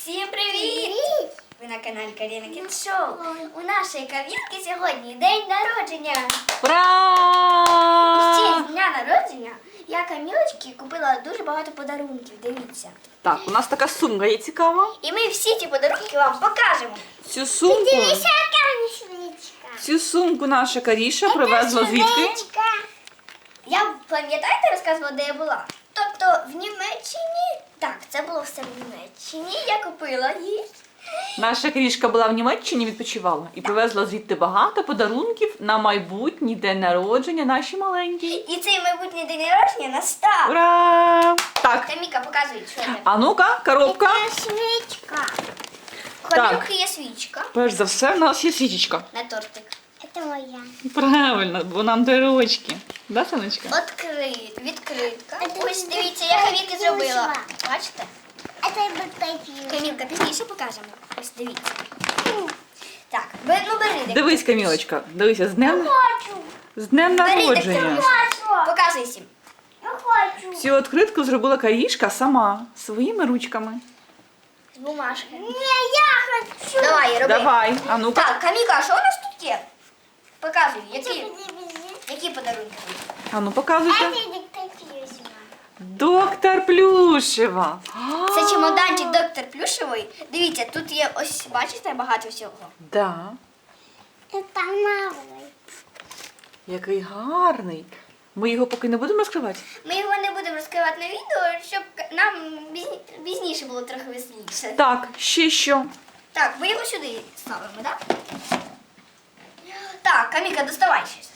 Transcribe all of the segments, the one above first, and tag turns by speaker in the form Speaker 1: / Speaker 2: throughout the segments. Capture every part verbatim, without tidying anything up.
Speaker 1: Всім привіт! Ви на каналі Каріна Кіт Шоу. У нашої кав'ярки сьогодні день народження.
Speaker 2: Ура!
Speaker 1: В честь дня народження я Камілочці купила дуже багато подарунків. Дивіться.
Speaker 2: Так, у нас така сумка є цікава.
Speaker 1: І ми всі ці подарунки вам покажемо.
Speaker 2: Цю сумку, цю сумку наша Каріша привезла звідки?
Speaker 1: Я, пам'ятаєте, розказувала, де я була? Тобто в Німеччині. Так, це було все в Німеччині. Я купила її.
Speaker 2: Наша Карішка була в Німеччині, відпочивала і привезла звідти багато подарунків на майбутній день народження нашій маленькій.
Speaker 1: І цей майбутній день народження настав.
Speaker 2: Ура! Так,
Speaker 1: Каміка, показуй, що це.
Speaker 2: а ну-ка, коробка.
Speaker 1: Свічка. У
Speaker 2: Так.
Speaker 1: Камілки є свічка
Speaker 2: Перш за все, в нас є свічечка.
Speaker 1: на тортик. Це моя.
Speaker 2: Правильно, бо нам до ручки. Да, Сонечка?
Speaker 1: Открит, відкритка.
Speaker 3: Це
Speaker 1: Ось дивіться, я Камілки зробила. Бачите?
Speaker 3: Это и бутылки.
Speaker 1: Камілка, пізніше покажемо. Ось дивіться. Так, бе- ну бери. де-
Speaker 2: Дивись, Камілочка, дивися, з днем,
Speaker 3: Хочу.
Speaker 2: з днем
Speaker 1: Бери,
Speaker 2: народження.
Speaker 3: Хочу.
Speaker 1: Показуй всім.
Speaker 3: Я хочу.
Speaker 2: Цю відкритку зробила Карішка сама, своїми ручками.
Speaker 1: З бумажки.
Speaker 3: Не, я хочу.
Speaker 1: Давай, роби.
Speaker 2: Давай, а ну-ка.
Speaker 1: Так, Камілка, а що у нас тут є? Показуй, які,
Speaker 3: Это
Speaker 1: які подарунки.
Speaker 2: А ну показуйте.
Speaker 3: детектив.
Speaker 2: Доктор Плюшева.
Speaker 1: Це чемоданчик доктор Плюшевий. Дивіться, тут є ось, бачите, багато всього.
Speaker 2: Да.
Speaker 3: Это новый.
Speaker 2: Який гарний. Ми його поки не будемо розкривати.
Speaker 1: Ми його не будемо розкривати на відео, щоб нам пізні- пізніше було трохи веселіше.
Speaker 2: Так, ще що?
Speaker 1: Так, ми його сюди ставимо, так? Так, Каміка, доставай щось.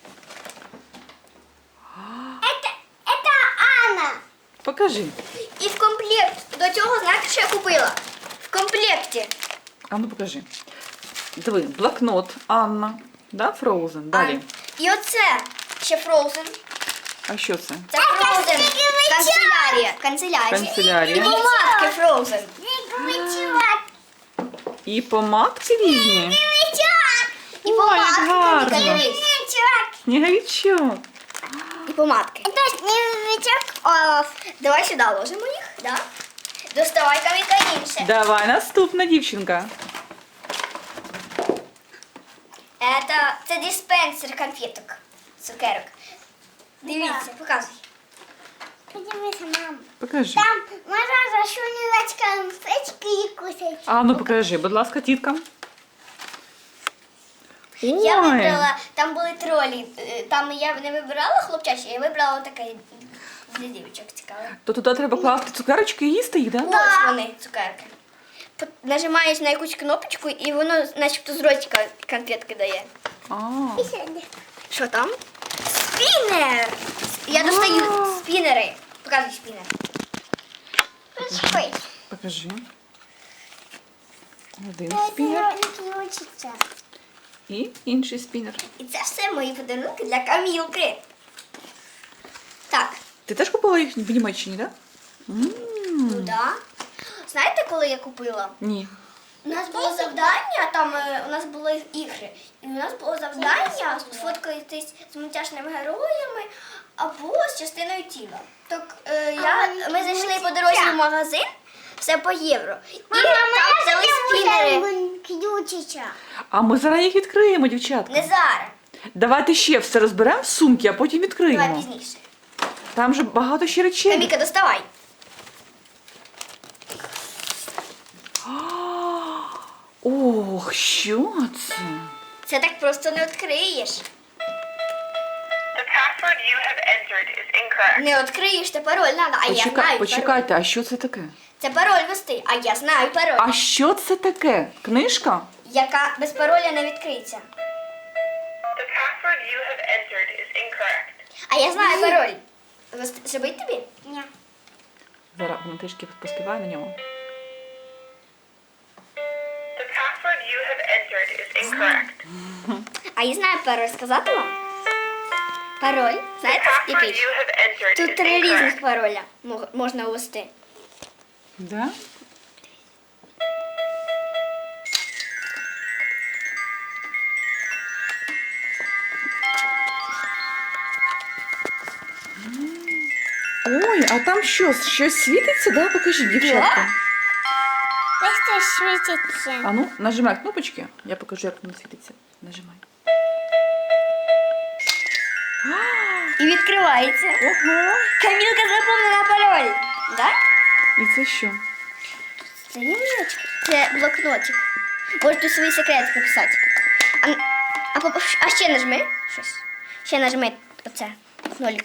Speaker 3: Это, это Анна.
Speaker 2: Покажи.
Speaker 1: І в комплект до цього, знаєте, що я купила? В комплекті.
Speaker 2: А ну покажи. Диви, блокнот Анна. Да, Frozen. Далі.
Speaker 1: А, і оце ще Frozen.
Speaker 2: А що це?
Speaker 1: Це Frozen. Канцелярія. Канцелярія.
Speaker 2: Канцелярія.
Speaker 1: І помадки Frozen.
Speaker 3: Снеговичок.
Speaker 2: І помадки різні.
Speaker 3: Снеговичок.
Speaker 1: І
Speaker 2: Ой,
Speaker 1: помадки.
Speaker 2: як гарно.
Speaker 1: Каміка, дивись.
Speaker 3: Снеговичок.
Speaker 2: Сніговичок.
Speaker 1: І помадки.
Speaker 3: Это снеговичок.
Speaker 1: А, давай сюди ложимо їх, да? Доставай, Каміка, інше.
Speaker 2: Давай, наступна дівчинка.
Speaker 1: Это, це диспенсер конфеток, цукерок. Дивіться, показуй.
Speaker 3: Подивись, мам.
Speaker 2: Покажи.
Speaker 3: Там можно зашунивать конфетки и кусать.
Speaker 2: А ну покажи, будь ласка, тіткам.
Speaker 1: Я
Speaker 2: Ой.
Speaker 1: вибрала, там були тролі, е, там я не вибирала хлопчачі, я вибрала таке для дівчинок цікаве.
Speaker 2: То туди треба класти цукерочки і їсти їх, да?
Speaker 1: Ось вони, цукерки. Пот- Нажимаєш на якусь кнопочку і воно начебто з ротика конфетки дає.
Speaker 2: А.
Speaker 1: Що там? Спінер! Я достаю спінери. Показуй спінер.
Speaker 3: Ой.
Speaker 2: Покажи. Один спінер
Speaker 3: не учится.
Speaker 2: і інший спінер.
Speaker 1: І це все мої подарунки для Камілки. Так,
Speaker 2: Ти теж купила їх в Німеччині, так? Да? М,
Speaker 1: ну да. Знаєте, коли я купила?
Speaker 2: Ні.
Speaker 1: У нас було завдання, там е, у нас були ігри. І у нас було завдання сфоткатись з мультяшними героями або з частиною тіла. Так е, я, ми зайшли по дорозі в магазин, все по євро. І
Speaker 3: Мама,
Speaker 1: там взяли спінери.
Speaker 3: Ключича.
Speaker 2: А ми зараз їх відкриємо, дівчатка.
Speaker 1: Не зараз.
Speaker 2: Давайте ще все розберемо в сумки, а потім
Speaker 1: Давай
Speaker 2: відкриємо.
Speaker 1: пізніше.
Speaker 2: Там же багато ще речей.
Speaker 1: Каміка, доставай.
Speaker 2: Ох, що це?
Speaker 1: Це так просто не відкриєш.
Speaker 4: The password you have entered is incorrect.
Speaker 1: Не відкриєш, це пароль надо. А я
Speaker 2: Почекай,
Speaker 1: знаю пароль.
Speaker 2: почекайте, а що це таке?
Speaker 1: Це пароль вести, а я знаю пароль.
Speaker 2: А що це таке? Книжка?
Speaker 1: Яка без пароля не відкриється.
Speaker 4: The password you have entered is incorrect.
Speaker 1: А я знаю пароль. Вести- Зробить тобі?
Speaker 3: Ні.
Speaker 2: Зараз вона трішки поспіває на ньому.
Speaker 4: The password you have entered is incorrect.
Speaker 1: А я знаю пароль. Сказати вам? Пароль.
Speaker 4: The
Speaker 1: Знаєте,
Speaker 4: password
Speaker 1: який?
Speaker 4: you have entered
Speaker 1: Тут
Speaker 4: is
Speaker 1: три
Speaker 4: incorrect.
Speaker 1: різних пароля мог- можна ввести.
Speaker 2: Да? Ой, а там що? Щось світиться, да? Покажіть, дівчатка.
Speaker 3: Ой, это светится.
Speaker 2: А ну, нажимай кнопочки. Я покажу, як воно світиться. Нажимай.
Speaker 1: І відкривається.
Speaker 2: Ого!
Speaker 1: Камілка запомнила пароль. Так?
Speaker 2: І це що?
Speaker 1: Це ємничка. Це блокнотик. Можеш тут свої секрети написати. А, а, поп- а ще нажми щось. Ще нажми оце. Нолик.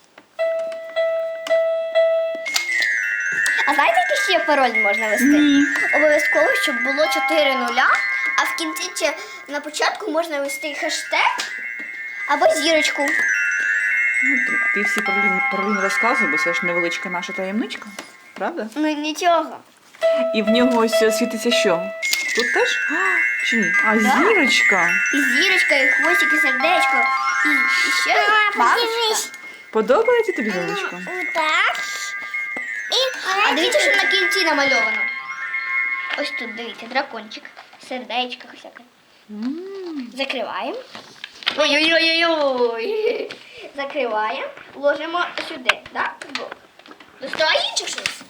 Speaker 1: А знаєте, який ще пароль можна ввести?
Speaker 2: Ні.
Speaker 1: Обов'язково, щоб було чотири нуля, а в кінці чи на початку можна ввести хештег або зірочку.
Speaker 2: Ну, ти, ти всі паролі, паролі не розказуй, бо це ж невеличка наша таємничка. Правда?
Speaker 1: Ну нічого.
Speaker 2: І в нього ось світиться що? Тут теж? А, чи ні? А, зірочка.
Speaker 1: І зірочка, і хвостик, і сердечко, і, і ще бабочка.
Speaker 3: Подивись.
Speaker 2: Подобається тобі зірочка?
Speaker 3: Вот так. И
Speaker 1: А дивіться, що на кінці намальовано. Ось тут, дивіться, дракончик, сердечко всяке.
Speaker 2: М.
Speaker 1: Закриваємо. Ой-ой-ой-ой. Закриваємо, ложимо сюди, так? Доставай інших щось.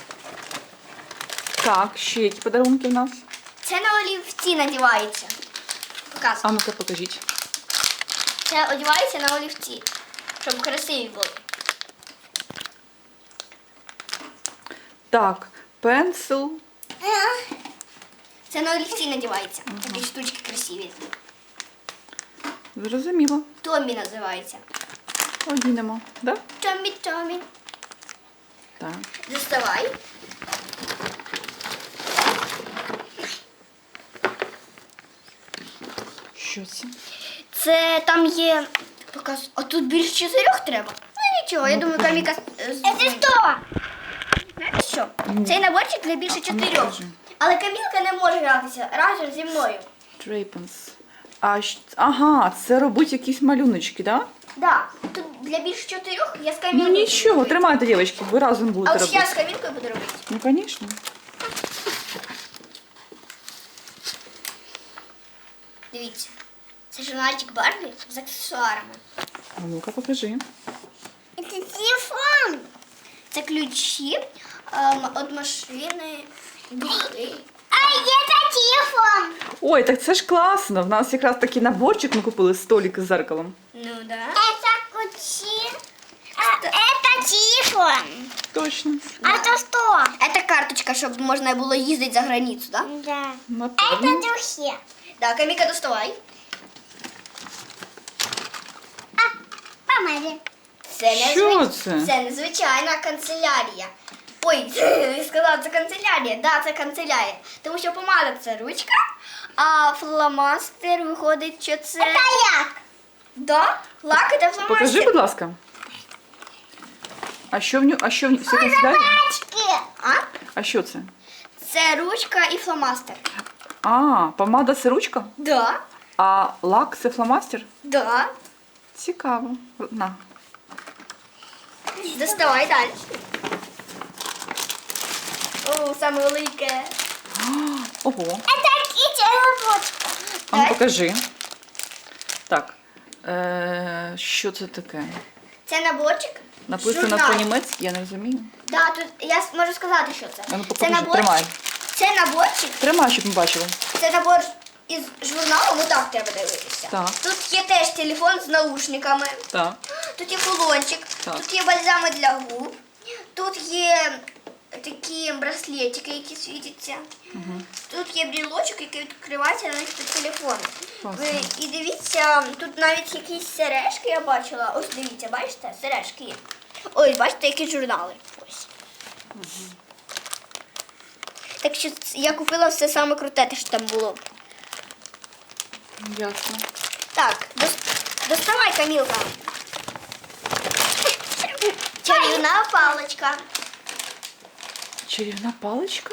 Speaker 2: Так, ще які подарунки в нас?
Speaker 1: Це на олівці надівається. Показую.
Speaker 2: А ну-ка покажіть.
Speaker 1: Це одівається на олівці, щоб красиві були.
Speaker 2: Так, пенсил.
Speaker 1: Це на олівці надівається. Такі штучки красиві.
Speaker 2: Зрозуміло.
Speaker 1: Томі називається.
Speaker 2: Одінемо, да?
Speaker 1: Томі, Томі.
Speaker 2: Так.
Speaker 1: Доставай.
Speaker 2: Що це?
Speaker 1: Це там є. Показ. А тут більше чотирьох треба. Ну нічого, я
Speaker 2: Ну,
Speaker 1: думаю,
Speaker 2: покажи.
Speaker 1: Каміка. е, з-
Speaker 3: это что?
Speaker 1: Знаєте що? Цей наборчик для більше
Speaker 2: А ну,
Speaker 1: чотирьох.
Speaker 2: покажи.
Speaker 1: Але Камілка не може гратися разом зі мною.
Speaker 2: Трейпенс. А, щ- ага, це робить якісь малюночки, да?
Speaker 1: Так, тут для більше чотирьох я з
Speaker 2: Ну
Speaker 1: Камілкою. буду
Speaker 2: нічого,
Speaker 1: робити.
Speaker 2: тримайте, дівчатки, ви разом
Speaker 1: А
Speaker 2: будете
Speaker 1: от я
Speaker 2: робити.
Speaker 1: з Камілкою буду робити.
Speaker 2: Ну, звісно.
Speaker 1: Дивіться. Це журнальчик Барбі з аксесуарами.
Speaker 2: А ну-ка покажи.
Speaker 3: Это телефон.
Speaker 1: Це ключі ем, від машини. Духи.
Speaker 3: А это телефон.
Speaker 2: Ой, так це ж класно. В нас якраз такий наборчик ми купили столик з зеркалом.
Speaker 1: Ну да.
Speaker 3: Это ключи. А это телефон.
Speaker 2: Точно.
Speaker 3: А это что?
Speaker 1: Це карточка, щоб можна було їздити за границю, так? Да?
Speaker 3: Да.
Speaker 2: Напевно.
Speaker 3: Это духи.
Speaker 1: Так, Каміка, доставай.
Speaker 3: А, помади.
Speaker 1: Це не
Speaker 2: Що
Speaker 1: звич-
Speaker 2: це?
Speaker 1: Це незвичайна канцелярія. Ой, я сказала, це канцелярія. Так, да, це канцелярія. Тому що помада це ручка, а фломастер виходить, що це.
Speaker 3: Это як?
Speaker 1: Да, лак це фломастер.
Speaker 2: Покажи, будь ласка. А що в нього? А що в нього? Все канцелярія?
Speaker 3: Пачки.
Speaker 1: А?
Speaker 2: А що це?
Speaker 1: Це ручка і фломастер.
Speaker 2: А, помада це ручка,
Speaker 1: Да,
Speaker 2: а лак це фломастер?
Speaker 1: да.
Speaker 2: Цікаво. На.
Speaker 1: Доставай далі. О, саме велике.
Speaker 2: Ого.
Speaker 3: Это кити лопатку.
Speaker 2: А ну
Speaker 1: Так.
Speaker 2: покажи. Так. Е, що це таке?
Speaker 1: Це наборчик.
Speaker 2: Написано
Speaker 1: Журнал.
Speaker 2: по-німецьки, я не розумію.
Speaker 1: Да, тут я с- можу сказати, що це.
Speaker 2: А ну
Speaker 1: Це
Speaker 2: покажи,
Speaker 1: наборчик.
Speaker 2: тримай.
Speaker 1: Це наборчик.
Speaker 2: Тримай, щоб ми бачили.
Speaker 1: Це набор із журналу, отак треба дивитися.
Speaker 2: Так.
Speaker 1: Тут є теж телефон з наушниками,
Speaker 2: Так.
Speaker 1: тут є кулончик,
Speaker 2: Так.
Speaker 1: тут є бальзами для губ, тут є такі браслетики, які світяться. Тут є брілочок, який відкривається на них телефон.
Speaker 2: Класно.
Speaker 1: Ви- І дивіться, тут навіть якісь сережки я бачила. Ось дивіться, бачите, сережки є. Ось, бачите, які журнали. Ось. Так що ц- я купила все саме круте, те, що там було.
Speaker 2: Ясно.
Speaker 1: Так, дос- доставай, Камілка. Чарівна паличка.
Speaker 2: Чарівна паличка?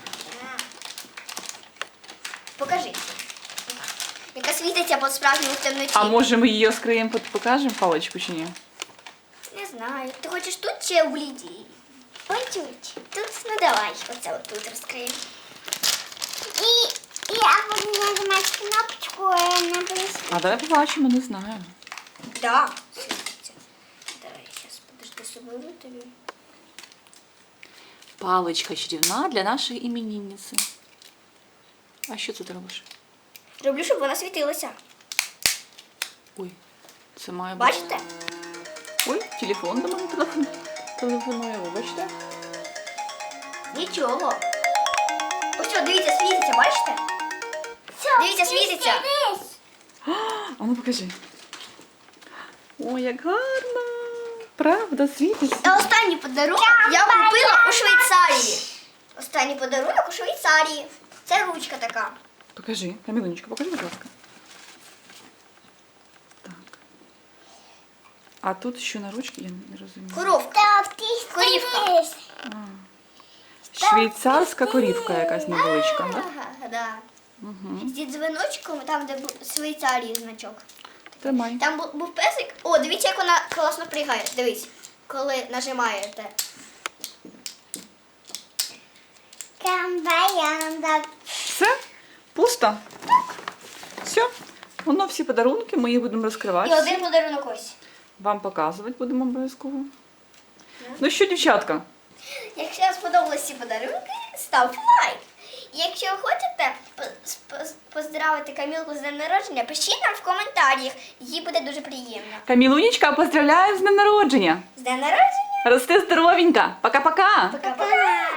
Speaker 1: Покажи. Яка світиться по справжньому в темноті.
Speaker 2: А може ми її розкриємо, пот- покажемо паличку чи ні?
Speaker 1: Не знаю. Ти хочеш тут чи в Лідії? Ой, тут. Тут, ну давай, оце от тут розкриємо.
Speaker 3: И я буду нажимать кнопочку э, на плюс.
Speaker 2: А давай побачимо, не знаю.
Speaker 1: Да, світиться. Давай, зараз подожди, соберу тобі.
Speaker 2: Паличка чарівна для нашої іменинниці. А що це ти робиш?
Speaker 1: Роблю, щоб вона світилася.
Speaker 2: Ой, це має бути.
Speaker 1: Бачите?
Speaker 2: Ой, телефон до мене телефон. Телефонує, вибачте.
Speaker 1: Нічого. Ось що, дивіться, світиться, бачите? Дивіться, світиться.
Speaker 2: А ну покажи. Ой, як гарно. Правда, світиться.
Speaker 1: А останній подарунок я купила у Швейцарії. Останній подарунок у Швейцарії. Це ручка така.
Speaker 2: Покажи, Камілунечка, покажи, будь ласка. Так. А тут що на ручці, я не розумію.
Speaker 1: Коровка. Корівка.
Speaker 2: Швейцарська корівка якась невеличка, так?
Speaker 1: Ага, да.
Speaker 2: Угу.
Speaker 1: Зі дзвіночком, там, де був Швейцарії значок.
Speaker 2: Тримай.
Speaker 1: Там був, був песик. О, дивіться, як вона класно пригає. Дивись, коли нажимаєте.
Speaker 3: Камбаянда.
Speaker 2: Все? Пусто? Так. Все. Воно всі подарунки, ми їх будемо
Speaker 1: І
Speaker 2: розкривати.
Speaker 1: один подарунок ось.
Speaker 2: Вам показувати будемо обов'язково. Ну що, дівчатка?
Speaker 1: Якщо вам сподобались ці подарунки, ставте лайк. І якщо ви хочете по- по- поздравити Камілку з днем народження, пишіть нам в коментарях. Їй буде дуже приємно.
Speaker 2: Камілунечка, поздравляю з днем народження.
Speaker 1: З днем народження!
Speaker 2: Рости здоровенька. Пока-пока.
Speaker 1: Пока-пока!